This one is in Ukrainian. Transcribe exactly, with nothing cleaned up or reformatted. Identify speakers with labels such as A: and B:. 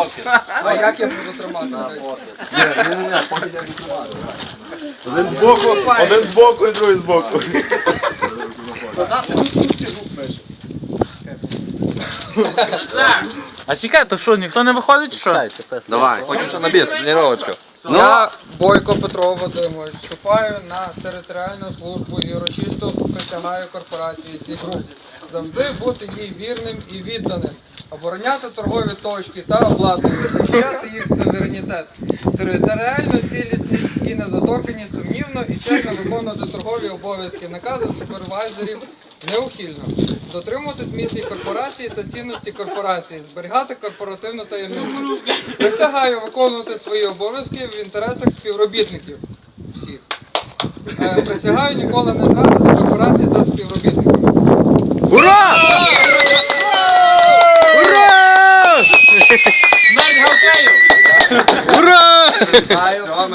A: А як я буду тримати?
B: Один з боку, один з боку і другий з боку.
C: А чекай, то що, ніхто не виходить, чи що?
B: Давай, ходимо ще на біс, тренувачка.
A: Я, Бойко Петро Вадимович, вступаю на територіальну службу і урочисто присягаю корпорації «Сігруп» завжди бути їй вірним і відданим, обороняти торгові точки та обладнання, захищати їх суверенітет, територіальну цілісність і недоторканність сумнівно і чесно виконувати торгові обов'язки, накази супервайзерів неухильно, дотримуватись місії корпорації та цінності корпорації, зберігати корпоративну таємницю. Присягаю виконувати свої обов'язки в інтересах співробітників всіх. Е, Присягаю ніколи не зрадити корпорації та співробітників.
C: Ура! Ура!
A: Смерть Галкею!
C: Ура!